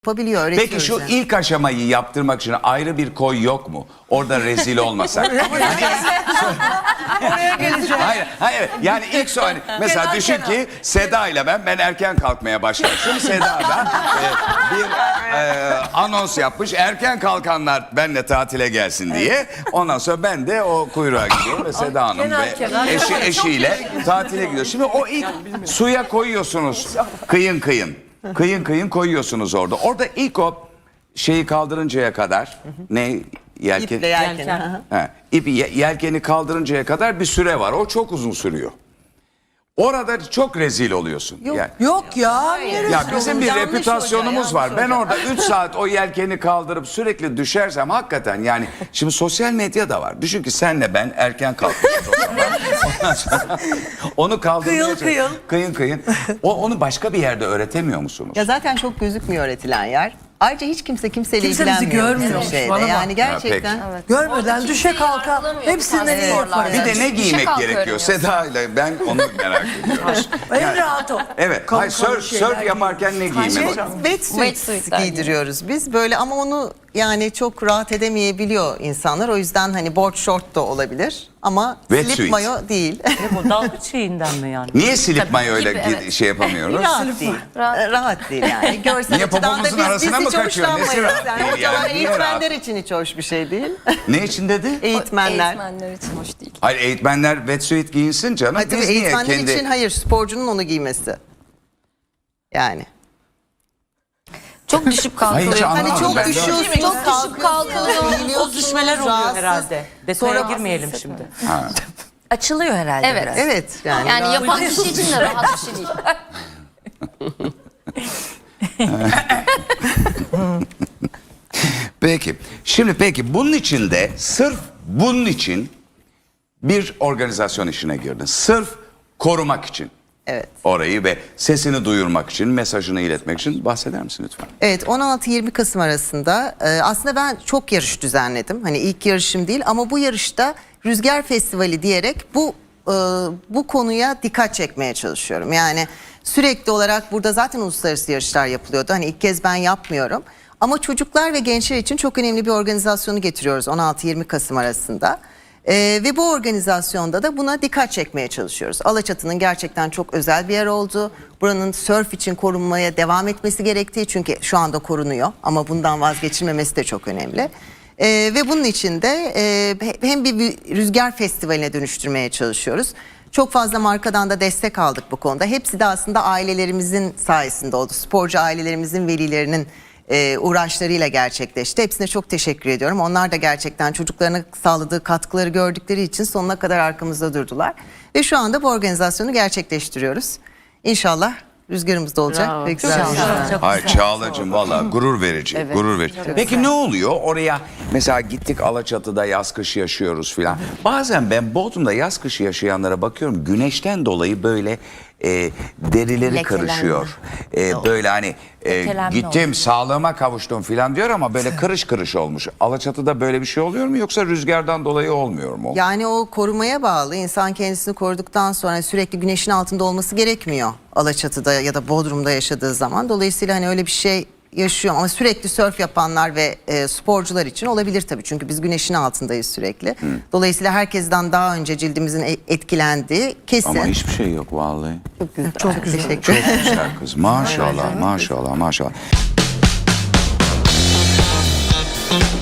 yapabiliyor, öğretiyor. Peki şu ilk aşamayı yaptırmak için ayrı bir koy yok mu? Orada rezil olmasak. Oraya geleceğim. Hayır. Yani ilk sonra mesela düşün ki Seda ile ben erken kalkmaya başlamışım. Seda da bir anons yapmış. Erken kalkanlar benle tatile gelsin diye. Ondan sonra ben de o kuyruğa gidiyorum ve Seda Hanım ve eşiyle tatile gidiyor. Şimdi o ilk suya koyuyorsunuz kıyın koyuyorsunuz orada. Orada ilk o şeyi kaldırıncaya kadar ne yelken? İple yelken. İpi yelkeni kaldırıncaya kadar bir süre var. O çok uzun sürüyor. Orada çok rezil oluyorsun. Yok ya. Ya bizim bir reputasyonumuz var. Ben orada 3 saat o yelkeni kaldırıp sürekli düşersem hakikaten yani şimdi sosyal medya da var. Düşün ki senle ben erken kalkmışız o zaman. Ondan sonra onu kaldırmaya kıyın. Onu başka bir yerde öğretemiyor musunuz? Ya zaten çok gözükmüyor öğretilen yer. Ayrıca hiç kimseyle Kimse bizi ilgilenmiyor. görmüyor. Şeyde. Bana bak. Yani gerçekten. Evet. Görmeden düşe kalka hepsinden iyi yaparız. Bir de ne giymek gerekiyor? Seda ile ben onu merak ediyoruz. En rahat o. Evet. Hayır, surf yaparken ne giymek? Wetsuit giydiriyoruz biz böyle ama onu yani çok rahat edemeyebiliyor insanlar. O yüzden hani board short da olabilir ama Wetsuit. slip mayo değil. Bu dalgıç şeyinden mi yani? Niye silip mayoyla şey yapamıyoruz? Rahat değil. Rahat değil yani. Görsel Niye açıdan da popomuzun biz arasına mı hiç kaçıyor? Nesi hoşlanmayız. rahat Yani değil hocalar, yani? Niye eğitmenler için hiç hoş bir şey değil. Ne için dedi? Eğitmenler. Eğitmenler için hoş değil. Hayır, eğitmenler wetsuit giyinsin canım. Hayır, tabii Biz niye eğitmenler kendi... için hayır, sporcunun onu giymesi. Yani. Çok düşüp kalkılıyor. Hiç Hani anlamadım çok ben de. düşüyorsun, Çok düşüp kalkılıyor. O düşmeler oluyor rahatsız. herhalde. Detaya girmeyelim şimdi. Açılıyor herhalde Evet. biraz. Evet yani. Yani yapan kişi için de rahat bir şey değil. Peki. Şimdi bunun için de sırf bunun için bir organizasyon işine girdin. Sırf korumak için. Evet. Orayı ve sesini duyurmak için, mesajını iletmek için bahseder misin lütfen? Evet, 16-20 Kasım arasında aslında ben çok yarış düzenledim. Hani ilk yarışım değil ama bu yarışta Rüzgar Festivali diyerek bu konuya dikkat çekmeye çalışıyorum. Yani sürekli olarak burada zaten uluslararası yarışlar yapılıyordu. Hani ilk kez ben yapmıyorum. Ama çocuklar ve gençler için çok önemli bir organizasyonu getiriyoruz 16-20 Kasım arasında. Ve bu organizasyonda da buna dikkat çekmeye çalışıyoruz. Alaçatı'nın gerçekten çok özel bir yer olduğu, buranın sörf için korunmaya devam etmesi gerektiği, çünkü şu anda korunuyor ama bundan vazgeçilmemesi de çok önemli. Ve bunun için de hem bir rüzgar festivaline dönüştürmeye çalışıyoruz. Çok fazla markadan da destek aldık bu konuda. Hepsi de aslında ailelerimizin sayesinde oldu. Sporcu ailelerimizin, velilerinin uğraşlarıyla gerçekleşti. Hepsine çok teşekkür ediyorum. Onlar da gerçekten çocuklarına sağladığı katkıları gördükleri için sonuna kadar arkamızda durdular. Ve şu anda bu organizasyonu gerçekleştiriyoruz. İnşallah rüzgarımız da olacak. Bravo. Ve güzel olacak. Hayır Çağla'cığım valla gurur verici. Gurur verici. Peki ne oluyor? Oraya mesela gittik Alaçatı'da yaz kış yaşıyoruz filan. Bazen ben Bodrum'da yaz kış yaşayanlara bakıyorum. Güneşten dolayı böyle derileri Lekelenme. karışıyor. Böyle hani gittim sağlığıma kavuştum filan diyor ama böyle kırış kırış olmuş. Alaçatı'da böyle bir şey oluyor mu yoksa rüzgardan dolayı olmuyor mu? Yani o korumaya bağlı. İnsan kendisini koruduktan sonra sürekli güneşin altında olması gerekmiyor Alaçatı'da ya da Bodrum'da yaşadığı zaman. Dolayısıyla hani öyle bir şey yaşıyor ama sürekli sörf yapanlar ve sporcular için olabilir tabii. Çünkü biz güneşin altındayız sürekli. Dolayısıyla herkesten daha önce cildimizin etkilendiği kesin. Ama hiçbir şey yok vallahi. Çok teşekkür ederim. Çok güzel kız. Maşallah.